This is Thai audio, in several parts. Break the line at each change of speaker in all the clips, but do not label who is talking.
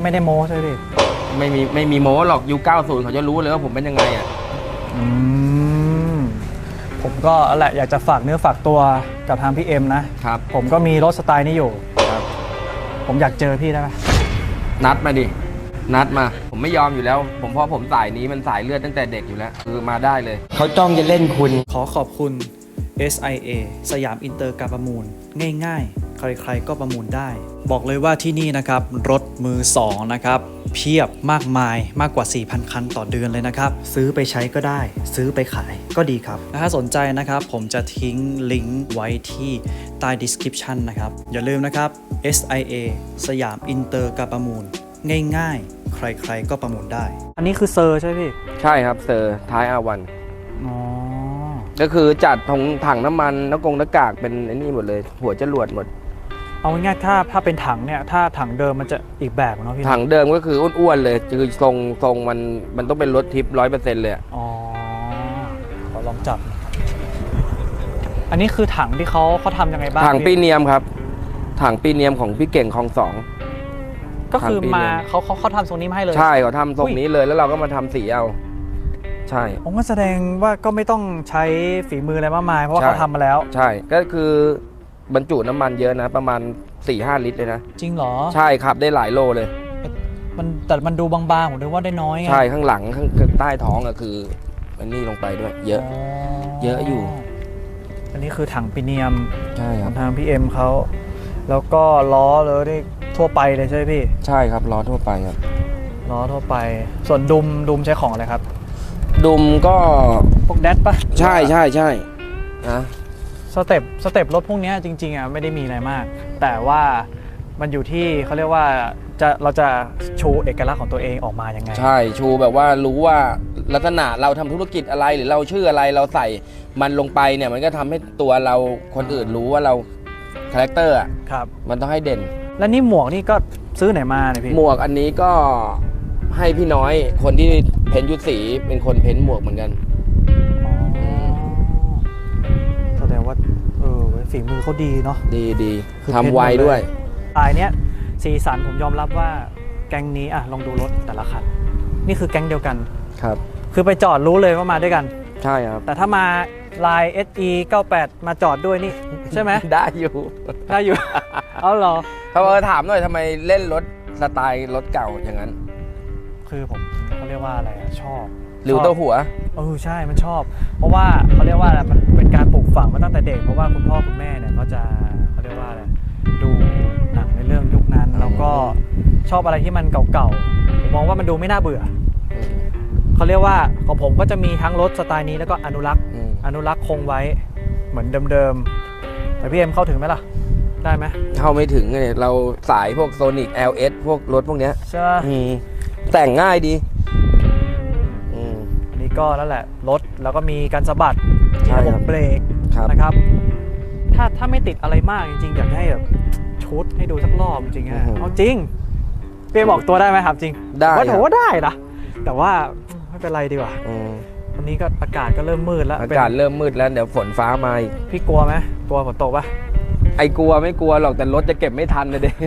ไม่ได้โม้ใช่ไหมพี่
ไม่มีโม้หรอกยุค90เขาจะรู้เลยว่าผมเป็นยังไงอ่ะ
ผมก็แหละอยากจะฝากเนื้อฝากตัวกับทางพี่เอ็มนะครับผมก็มีรถสไตล์นี้อยู่
ครับ
ผมอยากเจอพี่ได้ไหม
นัดมาดินัดมาผมไม่ยอมอยู่แล้วเพราะผมสายนี้มันสายเลือดตั้งแต่เด็กอยู่แล้วคือมาได้เลยเขาจ้องจะเล่นคุณ
ขอขอบคุณ SIA สยามอินเตอร์การประมูลง่ายๆใครๆก็ประมูลได้บอกเลยว่าที่นี่นะครับรถมือ2นะครับเพียบมากมายมากกว่า 4,000 คันต่อเดือนเลยนะครับซื้อไปใช้ก็ได้ซื้อไปขายก็ดีครับถ้าสนใจนะครับผมจะทิ้งลิงก์ไว้ที่ใต้ description นะครับอย่าลืมนะครับ SIA สยามอินเตอร์การประมูลง่ายๆใครๆก็ประมูลได้อันนี้คือเซอร์ใช่ไหมพี่
ใช่ครับเซอร์ท้ายอาวัน
อ๋อ
ก็คือจัดถังน้ำมันหน้ากากเป็นไอ้นี่หมดเลยหัวจรวดหมด
เอาง่ายๆถ้าเป็นถังเนี่ยถ้าถังเดิมมันจะอีกแบบเนาะพี่
ถังเดิมก็คืออ้วนๆเลยคือทรงมันต้องเป็นรถทิป100%เลย
อ๋อขอลองจับอันนี้คือถังที่เขาทำยังไงบ้าง
ถังปีเนียมครับถังปีเนียมของพี่เก่งคลอง2
ก็คือมาเขาทำทรงนี้มาให้เลย
ใช่เขาทำทรงนี้เลยแล้วเราก็มาทำสีเอาใช่
ผมก็แสดงว่าก็ไม่ต้องใช้ฝีมืออะไรมากมายเพราะว่าเขาทำมาแล้ว
ใช่ก็คือบรรจุน้ำมันเยอะนะประมาณ 4-5 ลิตรเลยนะ
จริงเหรอ
ใช่ครับได้หลายโลเลย
แต่มันดูบางๆผมนึกว่าได้น้อย
ใช่ข้างหลังข้างใต้ท้องอะคืออันนี้ลงไปด้วยเยอะอยู่
อันนี้คือถังปีเนียม
ใช่ครับ
ทางพี่เอ็มเขาแล้วก็ล้อเลยนี่ทั่วไปเลยใช่ไหมพี่
ใช่ครับล้อทั่วไปครับ
ล้อทั่วไปส่วนดุมใช้ของอะไรครับ
ดุมก็
พวกแดดปะ
ใช่นะ
สเต็ปรถพวกนี้จริงๆอ่ะไม่ได้มีอะไรมากแต่ว่ามันอยู่ที่เขาเรียกว่าเราจะชูเอกลักษณ์ของตัวเองออกมายังไง
ใช่ชูแบบว่ารู้ว่าลักษณะเราทำธุรกิจอะไรหรือเราชื่ออะไรเราใส่มันลงไปเนี่ยมันก็ทำให้ตัวเราคนอื่นรู้ว่าเราคาแรคเตอร์อ่ะมันต้องให้เด่น
แล้วนี่หมวกนี่ก็ซื้อไหนมาเนี่ยพี่
หมวกอันนี้ก็ให้พี่น้อยคนที่เพ้นยุทธสีเป็นคนเพ้นหมวกเหมือนกัน
แสดงว่าฝีมือเขาดีเนาะ
ดีทำไวด้วย
เนี้ยสีสันผมยอมรับว่าแก๊งนี้อ่ะลองดูรถแต่ละคันนี่คือแก๊งเดียวกัน
ครับ
คือไปจอดรู้เลยว่ามาด้วยกัน
ใช่ครับ
แต่ถ้ามาลาย SE 98มาจอดด้วยนี่ใช่ไหม
ได้อยู่
เอาเหรอ
เขาถามหน่อยทำไมเล่นรถสไตล์รถเก่าอย่างนั้น
คือผมเขาเรียกว่าอะไรชอบ
หรือตัวหัว
ใช่มันชอบเพราะว่าเขาเรียกว่าอะไรมันเป็นการปลูกฝังมาตั้งแต่เด็กเพราะว่าคุณพ่อคุณแม่เนี่ยเขาจะเขาเรียกว่าอะไรดูหนังในเรื่องยุคนั้นแล้วก็ชอบอะไรที่มันเก่าๆผมมองว่ามันดูไม่น่าเบื่อเขาเรียกว่าของผมก็จะมีทั้งรถสไตล์นี้แล้วก็อนุรักษ์คงไว้เหมือนเดิมๆแต่พี่เอ็มเข้าถึงไหมล่ะได้ไหม
เข้าไม่ถึงเลยเราสายพวกโซนิก LS พวกรถพวกเนี้ย
ใช่
แต่งง่ายดี
อันนี้ก็นั่นแหละรถแล้วก็มีการสะบัด
ระ
บบเบรกนะครับถ้าไม่ติดอะไรมากจริงๆอยากให้แบบชุดให้ดูสักรอบจริงๆเอาจริงเปียบอกตัวได้ไหมครับจริง
ได้
ว่าถือว่าได้นะแต่ว่าไม่เป็นไรดีกว่าวันนี้ก็อากาศก็เริ่มมืดแล้ว
อากาศเริ่มมืดแล้วเดี๋ยวฝนฟ้ามา
พี่กลัวไหมกลัวฝนตกปะ
ไอ้กลัวไม่กลัวหรอกแต่รถจะเก็บไม่ทันเลยเด็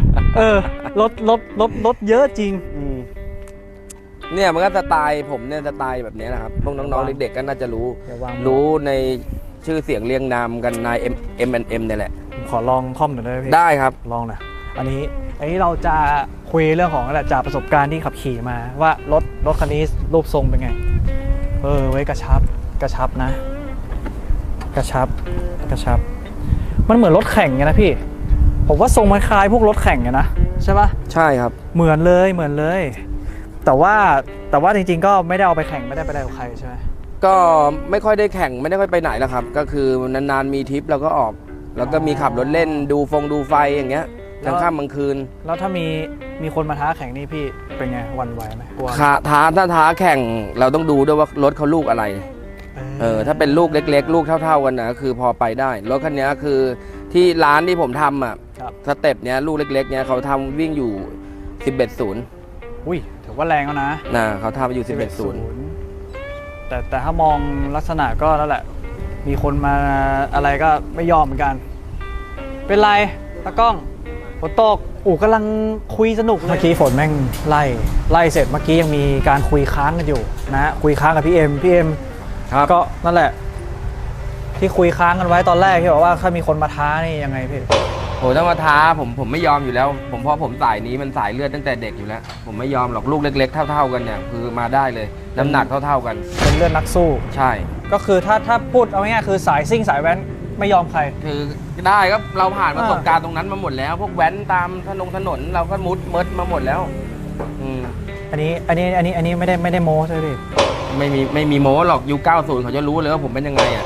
รถเยอะจริง
เนี่ยมันก็สไตล์ผมเนี่ยสไตล์แบบนี้นะครับพวกน้องๆเด็กๆก็น่าจะรู้ในชื่อเสียงเรียงนามกันนาย M&M เนี่ยแหละ
ขอลองคอมหน่อยได้ไหมพี่
ได้ครับ
ลองหน่อยอันนี้เราจะคุยเรื่องของอะไรจากประสบการณ์ที่ขับขี่มาว่ารถคันนี้รูปทรงเป็นไงไว้กระชับนะกระชับมันเหมือนรถแข่งไงนะพี่ผมว่าทรงมันคล้ายพวกรถแข่งไงนะใช่ปะ
ใช่ครับ
เหมือนเลยแต่ว่าจริงๆก็ไม่ได้เอาไปแข่งไม่ได้ไปได้กับใครใช่ไหม
ก็ไม่ค่อยได้แข่งไม่ได้ค่อยไปไหนแล้วครับก็คือนานๆมีทริปเราก็ออกแล้วก็มีขับรถเล่นดูไฟอย่างเงี้ยกลางค่ำกลางคืน
แล้วถ้ามีคนมาท้าแข่งนี่พี่เป็นไงวันไหวไหม
ท้าแข่งเราต้องดูด้วยว่ารถเขาลูกอะไรถ้าเป็นลูกเล็กๆลูกเท่าๆกันนะคือพอไปได้รถคันนี้คือที่ร้านที่ผมทำอ่ะสเต็ปเนี้ยลูกเล็กๆเนี้ยเขาทำวิ่งอยู่11.0
อุ้ยถือว่าแรงแล้วนะ
เขาทำอยู่11.0
แต่ถ้ามองลักษณะก็นั่นแหละมีคนมาอะไรก็ไม่ยอมเหมือนกันเป็นไรตากล้องฝนตกกำลังคุยสนุกเมื่อกี้ฝนแม่งไล่เสร็จเมื่อกี้ยังมีการคุยค้างกันอยู่นะคุยค้างกับพี่เอ็ม
ครับ
ก็นั่นแหละที่คุยค้างกันไว้ตอนแรกที่บอกว่าถ้ามีคนมาท้านี่ยังไงพี่
โหถ้ามาท้าผมไม่ยอมอยู่แล้วเพราะผมสายนี้มันสายเลือดตั้งแต่เด็กอยู่แล้วผมไม่ยอมหรอกลูกเล็กๆเท่าๆกันเนี่ยคือมาได้เลยน้ำหนักเท่าๆกัน
เป็นเลือดนักสู้
ใช่
ก็คือถ้าพูดเอาง่ายๆคือสายซิ่งสายแว้นไม่ยอมใคร
คือได้ก็เราผ่านประสบการณ์ตรงนั้นมาหมดแล้วพวกแว้นตามถนนเราก็มุดมาหมดแล้ว
อันนี้ไม่ได้โม้ใช่ไหมพี่
ไม่มีโม้หรอกยุค90เขาจะรู้เลยว่าผมเป็นยังไงอ่ะ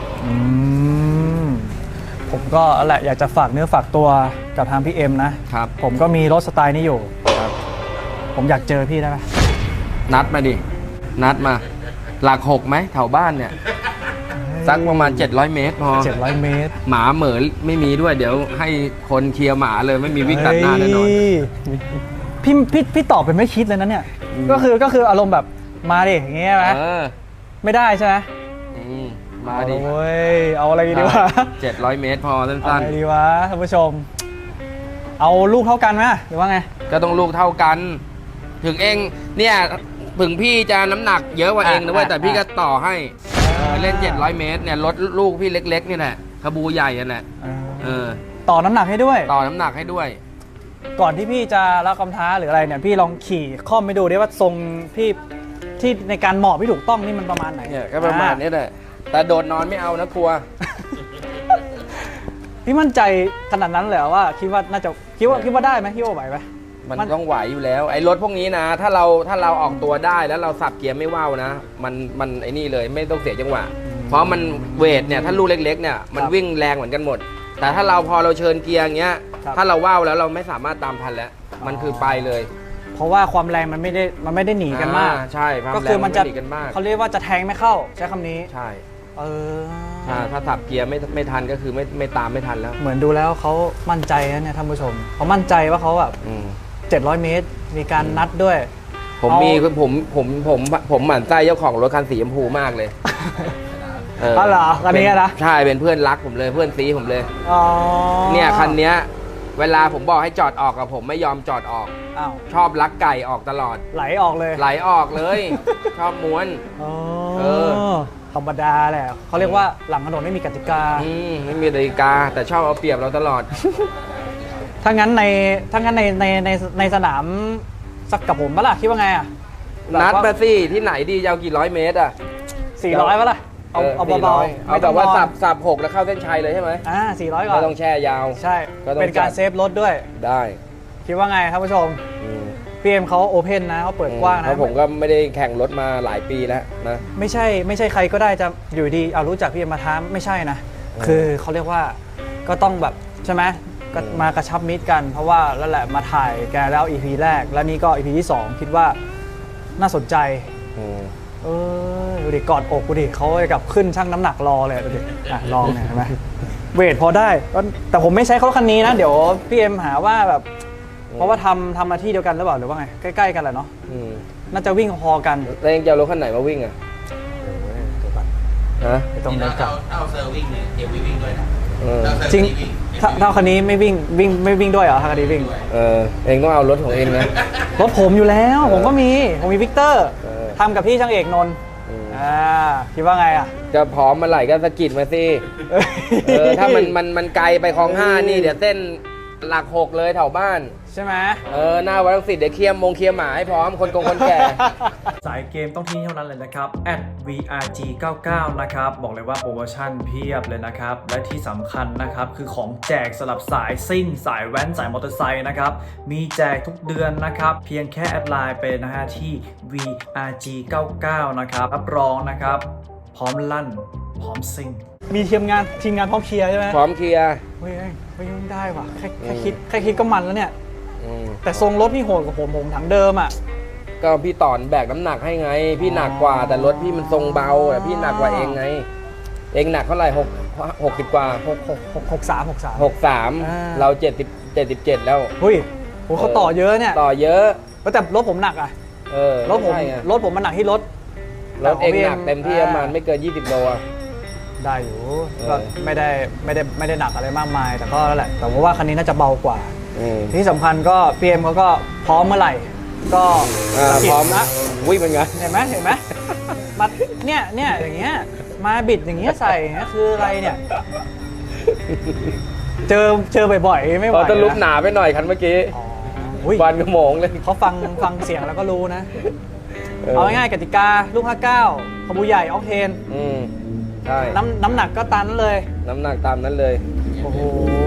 ผมก็แหละอยากจะฝากเนื้อฝากตัวกับทางพี่เอ็มนะครับผมก็มีรถสไตล์นี้อยู่ครับผมอยากเจอพี่ได้ไหม
นัดมาดินัดมาหลัก6ไหมแถวบ้านเนี่ยสักประมาณ700 เมตรพอ
700 เมตร
หมาเหมือไม่มีด้วยเดี๋ยวให้คนเคลียร์หมาเลยไม่มีวิ่งตัดหน้าแน่นอน
พี่ตอบเป็นไม่คิดเลยนะเนี่ยก็คืออารมณ์แบบมาดิอย่างเงี้ยไหมไม่ได้ใช่ไหม
มาดิ
โอ้ยเอาอะไรดีวะ
700 เมตรพอสั้นๆ
อะไรดีวะท่านผู้ชมเอาลูกเท่ากันไหมหรือว่าไง
ก็ต้องลูกเท่ากันถึงเองเนี่ยถึงพี่จะน้ำหนักเยอะกว่าเองนะเว้ยแต่พี่ก็ต่อให้เล่น700 เมตรเนี่ยลดลูกพี่เล็กๆนี่แหละขบูใหญ่นั่นแหละ
ต่อน้ำหนักให้ด้วย
ต่อน้ำหนักให้ด้วย
ก่อนที่พี่จะรับคำท้าหรืออะไรเนี่ยพี่ลองขี่ข้อมไปดูดิว่าทรงพี่ที่ในการหมอบที่ถูกต้องนี่มันประมาณไหน
เนี่ยก็ประมาณนี้แหละแต่โดดนอนไม่เอานะกลัว
พี่มั่นใจขนาดนั้นเลยว่าคิดว่าน่าจะคิดว่าได้ไหมคิดว่าไหวไหม
มันต้องไหวอยู่แล้วไอ้รถพวกนี้นะถ้าเราออกตัวได้แล้วเราสับเกียร์ไม่ว่าวนะมันไอ้นี่เลยไม่ต้องเสียจังหวะเพราะมันเวทเนี่ยถ้าลูกเล็กๆเนี่ยมันวิ่งแรงเหมือนกันหมดแต่ถ้าพอเราเชิญเกียร์อย่างเงี้ยถ้าเราว่าวแล้วเราไม่สามารถตามทันแล้วมันคือไปเลย
เพราะว่าความแรงมันไม่ได้หนีกันมาก
ใช่
ก็คือมันจะหนีกันมากเขาเรียกว่าจะแทงไม่เข้าใช้คำนี้
ใช่ถ้าสับเกียร์ไม่ทันก็คือไม่ตามไม่ทันแล้ว
เหมือนดูแล้วเขามั่นใจนะเนี่ยท่านผู้ชมเขามั่นใจว่าเขาแบบ700 เมตรมีการนัดด้วย
ผมหมั่นไส้เจ้าของรถคันสีชมพูมากเลย
เหรอคันนี้นะ
ใช่เป็นเพื่อนรักผมเลยเพื่อนซีผมเลยเนี่ยคันนี้เวลาผมบอกให้จอดออกกับผมไม่ยอมจอดออกชอบลักไก่ออกตลอด
ไหลออกเลย
ชอบม้วน
ธรรมดาแหละเขาเรียกว่าหลังถนนไม่มีกติกา
ไม่มีกติกาแต่ชอบเอาเปรียบเราตลอด
ถ้างั้นในสนามสักกับผมปะล่ะคิดว่าไงอ่ะ
นัดมาสิที่ไหนดียาวกี่ร้อยเมตรอ่ะ
400ปะล่ะเอาเบา
ๆเอาแบบว่าสับ6แล้วเข้าเส้นชัยเลยใช่ไหม
400ก่อน
ไม่ต้องแช่ยาว
ใช่เป็นการเซฟรถด้วย
ได้
คิดว่าไงท่านผู้ชมพี่เอ็มเขาโอเพนนะเขาเปิดกว้างนะ
ผมก็ไม่ได้แข่งรถมาหลายปีแล้วนะ
ไม่ใช่ใครก็ได้จะอยู่ดีเอารู้จักพี่เอ็มมาท้าไม่ใช่นะคือเขาเรียกว่าก็ต้องแบบใช่ไหมก็มากระชับมิตรกันเพราะว่าแล้วแหละมาถ่ายแกแล้ว EP แรกแล้วนี่ก็ EP ที่2คิดว่าน่าสนใจดูดิกอดอกดูดิเขากับขึ้นชั่งน้ำหนักรอเลยดูดิลองเนี่ยใช่ไหมเวทพอได้แต่ผมไม่ใช้เขาคันนี้นะเดี๋ยวพี่เอ็มหาว่าแบบเพราะว่าทำมาที่เดียวกันหรือเปล่าหรือว่าไงใกล้ๆกันแหละเนาะน่าจะวิ่งพอกัน
แล้วยังจะเอารถคันไหนมาวิ่งอ่ะ
ตรงนี้กับ
เอาเซอร์วิ่งเนี่ยเดี๋ยววิ่งด้วยนะ
จริงถ้าคันนี้ไม่วิ่งด้วยเหรอคันนี้วิ่ง
เองต้องเอารถของเองนะ
รถผมอยู่แล้วผมมีวิกเตอร์ทำกับพี่ช่างเอกนนท์คิดว่าไงอ่ะ
จะพร้อมมาไหลก็สะกิดมาสิถ้ามันไกลไปคลอง5นี่เดี๋ยวเส้นหลัก6เลยแถวบ้าน
ใช่ไหม
หน้าวัดรังสิตเดี๋ยวเคลียร์หมาให้พร้อมคนแก่
สายเกมต้องที่เท่านั้นเลยนะครับ @vrg99 นะครับบอกเลยว่าโปรโมชั่นเพียบเลยนะครับและที่สำคัญนะครับคือของแจกสำหรับสายซิ่งสายแว้นสายมอเตอร์ไซค์นะครับมีแจกทุกเดือนนะครับเพียงแค่แอดไลน์ไปนะฮะที่ vrg99 นะครับรับรองนะครับพร้อมลั่นพร้อมซิ่งมีทีมงานพร้อมเคลียร์ใช่ไหม
พร้อมเคลียร์
ไม่ได้ว่ะแค่คิดก็มันแล้วเนี่ยแต่ทรงรถพี่โหดกว่าผมถังเดิมอ่ะ
ก็พี่ต่อนแบกน้ำหนักให้ไงพี่หนักกว่าแต่รถพี่มันทรงเบาแต่พี่หนักกว่าเองไงเองหนักเท่าไหร่60กว่า63เรา77แล้ว
เฮ้ยเขาต่อเยอะเนี่ย
ต่อเยอะ
แต่รถผมหนักอ่ะรถผมมันหนักที่รถ
เองหนักเต็มที่ประมาณไม่เกิน20โล
ได้อยู่ก็ไม่ได้หนักอะไรมากมายแต่ก็แล้วแหละแต่ว่าคันนี้น่าจะเบากว่าที่สำคัญก็พีเอ็มเขาก็พร้อมเมื่อไหร่ก็
พร้อม
นะ
วิ่งเป็นไง
เห็นไหมมาเนี่ยอย่างเงี้ยมาบิดอย่างเงี้ยใส่เนี่ยคืออะไรเนี่ย เจอบ่อยๆไม่ไหว
เขาจะลุกห
นะ
นาไปหน่อยคันเมื่อกี้
อ๋ออุ๊ย
วันกระโมงเลย
เขาฟังเสียงแล้วก็รู้นะ เอาง่ายๆกติกาลูก 59ขบูใหญ่ออกเทน
ใช่
น้ำหนักก็ตามนั้นเลย
น้ำหนักตามนั้นเลย
โอ้โห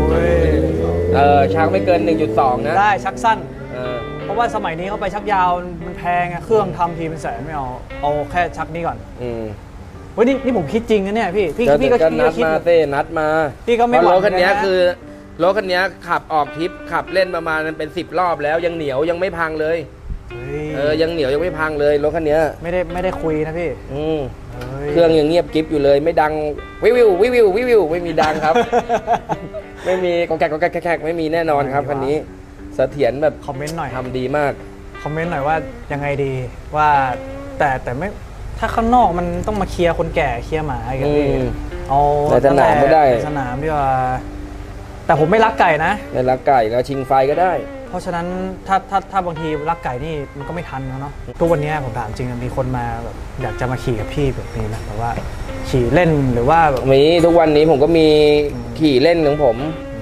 ชักไม่เกิน 1.2 นะ
ได้ชักสั้น
เออ
เพราะว่าสมัยนี้เขาไปชักยาวมันแพงอะเครื่องทำทีเป็นแสนไม่เอาแค่ชักนี้ก่อน เฮ้ยนี่ผมคิดจริงนะเนี่ยพี่ก็
นัด
คิด
มาเต้นัดมา
พี่ก็ไม่
เพ
หวั
ราะ
ง
รถคันนี้
นะ
คือรถคันนี้ขับออกทริปขับเล่นประมาณเป็น10 รอบแล้วยังเหนียวยังไม่พังเลย
เฮ้ย
ยังเหนียวยังไม่พังเลยรถคันนี้
ไม่ได้คุยนะพี่
เครื่องยังเงียบกิ๊บอยู่เลยไม่ดังวิวไม่มีดัง ครับ ไม่มีกองแกกไม่มีแน่นอนครับคันนี้เสถียรแบบ
คอมเมนต์หน่อย
ทำดีมาก
คอมเมนต์หน่อยว่ายังไงดีว่าแต่ไม่ถ้าข้างนอกมันต้องมาเคลียร์คนแก่เคลียร์หมาอีกอะพี่เอา
ในสนามไม่ได้
ในสนามดีกว่าแต่ผมไม่รักไก่นะ
ในรักไก่แล้วชิงไฟก็ได้
เพราะฉะนั้นถ้าบางทีรักไก่นี่มันก็ไม่ทันแล้วเนาะทุกวันนี้ผมถามจริงมีคนมาแบบอยากจะมาขี่กับพี่แบบนี้นะแบบว่าขี่เล่นหรือว่าแบบ
มีทุกวันนี้ผมก็มีขี่เล่นของผม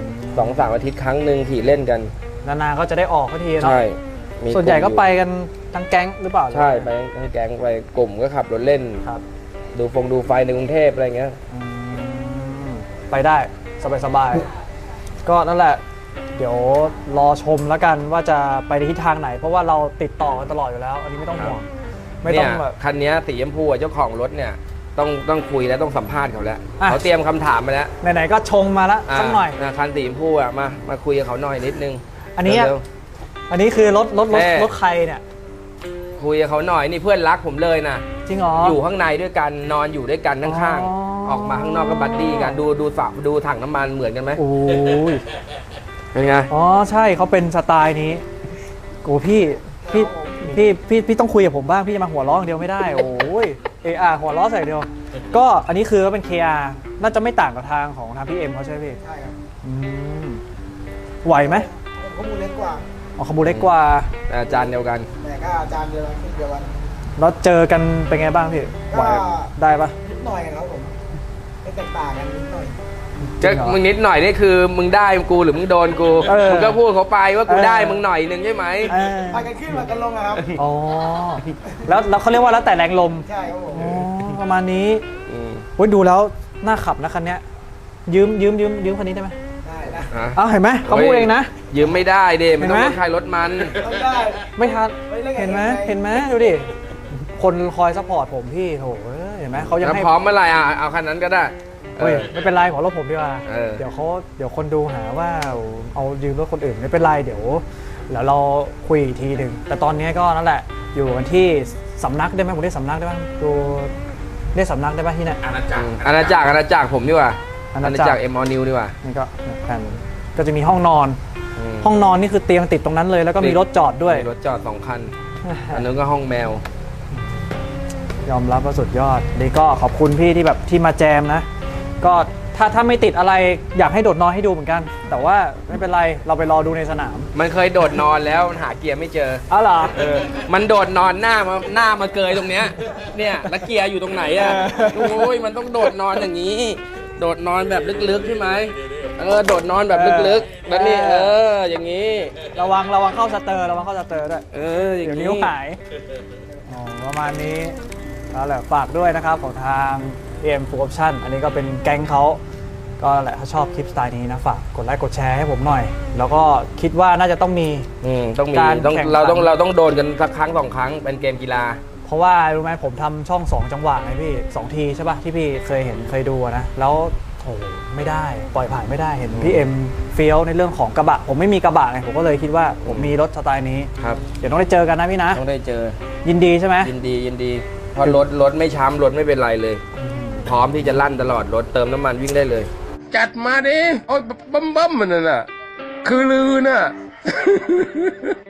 2-3 อาทิตย์ครั้งหนึ่งขี่เล่นกัน
นานๆก็จะได้ออกสักทีเนาะ
ใช่มี
ส่วนใหญ่ก็
ลุ่ม
ไปกันทั้งแก๊งหรือเปล่า
ใช่ไปทั้งแก๊งไปกลุ่มก็ขับรถเล่น
ครับ
ดูไฟในกรุงเทพอะไรเงี้ย
ไปได้สบายๆก็นั่นแหละ เดี๋ยวรอชมแล้วกันว่าจะไปในทิศทางไหน เพราะว่าเราติดต่อกันตลอดอยู่แล้ว อันนี้ไม่ต้องห่วงไม่ต้องแบบ
คันนี้สีชมพูเจ้าของรถเนี่ยต้องคุยแล้วต้องสัมภาษณ์เขาแล้ว
อ่ะ
เขาเตรียมคำถามมาแล้ว
ไหนๆก็ชงมาแล้วสักหน่อย
คันสีชมพูมาคุยกับเขาหน่อยนิดนึง
อันนี้
เร็ว
อันนี้คือรถ
แม่
รถใครเนี่ย
ๆคุยกับเขาหน่อยนี่เพื่อนรักผมเลยนะ
จริงเหรอ
อ
อยู่
ข้างในด้วยกันนอนอยู่ด้วยกันข้างๆออกมาข้างนอกก็บัดดี้กันดูถังน้ำมันเหมือนกันไหม
โอ้ย
เป็นไง
อ๋อใช่เขาเป็นสไตล์นี้โอ้พี่ต้องคุยกับผมบ้างพี่จะมาหัวล้ออย่างเดียวไม่ได้โอ้ยหัวล้อใส่เดียว ก็อันนี้คือเป็น KR น่าจะไม่ต่างกับทางของทางพี่เอ็มเขาใช่ไหมพี่
ใช่ครับ
ไหวไหม
ข้อมูลเล็กกว่า
อ๋อขบูเล็กกว่า
อาจารย์เดียวกัน
แต่ก็อาจารย์เดียวกันขึ้นเดียวกัน
แล้วเจอกันเป็นไงบ้างพี่ไหวได้ปะ
นิดหน่อยครับผมไม่แตกต่างกันนิดหน่อย
จริงเหรอ
มึงนิดหน่อยนี่คือมึงได้กูหรือมึงโดนกู มึงก็พูดเขาไปว่ากูได้มึงหน่อยหนึ่งใช่ไหม
ไปกันขึ้นมากันลงอะครับ
อ๋อแล้วเขาเรียกว่าแล้วแต่แรงลม
ใช่ครับผม
อ๋อประมาณนี้
อืม
โอ้ยดูแล้วน่าขับนะคันเนี้ยยืมคันนี้ได้ไหม
ได้นะ
ฮะ
อ้าวเห็นไหมเขาพูดเองนะ
ยืมไม่ได้เด้มันต้อง
เห็นไหม
รถใครรถมัน
ต้องได้
ไม่ทัน
ไม่เล่นกับ
เห็นไหม
ใคร
เห็นไหมดูดิคนคอยซัพพอร์ตผมพี่โถเห็นไหมเขายัง
แล้ว
ให้
พร้อมเมื่อไหร่เอาคันนั้นก็ได้
เฮ้ยไม่เป็นไรของรถผมดีกว่า
เออ
เดี๋ยวคนดูหาว่าเอายืมรถคนอื่นไม่เป็นไรเดี๋ยวเราคุยอีกทีหนึ่งแต่ตอนนี้ก็นั่นแหละอยู่กันที่สำนักได้ไหมผมเรียกสำนักได้บ้างดูเรียกสำนักได้ป่ะที่เนี่ย
อาณาจักร
อาณาจักรผมดีกว่า
อาณาจักร
เอ็มอนิวดีกว่า
นี่ก็แผ่นก็จะมีห้องนอน
ม
ห้องนอนนี่คือเตียงติดตรงนั้นเลย แล้วก็มีรถจอดด้วย
มีรถจอด2 คัน อันนู้นก็ห้องแมว
ยอมรับว่าสุดยอดนี่ก็ขอบคุณพี่ที่แบบที่มาแจมนะ ก็ถ้าไม่ติดอะไรอยากให้โดดนอนให้ดูเหมือนกัน แต่ว่าไม่เป็นไรเราไปรอดูในสนาม
มันเคยโดดนอนแล้วมันหาเกียร์ไม่เจอ
อ้าวเหรอ
มันโดดนอนหน้ามาเกยตรงเนี้ย เนี่ยแล้วเกียร์อยู่ตรงไหนอ่ะ โอ้ยมันต้องโดดนอนอย่างนี้ โดดนอนแบบลึกๆใช่ไหมโดดนอนแบบลึกๆแล้วนี่อย่างนี้
ระวังเข้าสเตอร์ด้วย
อย่าง
เดี๋ยว
นี้
นิ้วหายอ๋อประมาณนี้แล้วแหละฝากด้วยนะครับของทาง AM Full Option อันนี้ก็เป็นแก๊งเขาก็แหละถ้าชอบคลิปสไตล์นี้นะฝากกดไลค์กดแชร์ให้ผมหน่อย แล้วก็คิดว่าน่าจะต้องมี
ต้องมี
การ
ต้อง
แข่งขัน
เราต้องโดนกันสักครั้ง2 ครั้งเป็นเกมกีฬา
เพราะว่ารู้ไหมผมทำช่อง 2 จังหวะไงพี่ 2 ทีใช่ป่ะที่พี่เคยดูอะนะแล้วโอ้ไม่ได้ปล่อยผ่านไม่ได้เห็นพี่เอ็มเฟี้ยวในเรื่องของกระบะผมไม่มีกระบะไงผมก็เลยคิดว่าผมมีรถสไตล์นี้
ครับ
เดี๋ยวต้องได้เจอกันนะพี่นะ
ต้องได้เจอ
ยินดีใช่ไหม
ยินดีเพราะรถไม่ช้ำรถไม่เป็นไรเลย พร้อมที่จะลั่นตลอดรถเติมน้ำมันวิ่งได้เลย
จัดมาดิ โอ้ยบัมมันน่ะ คือลือน่ะ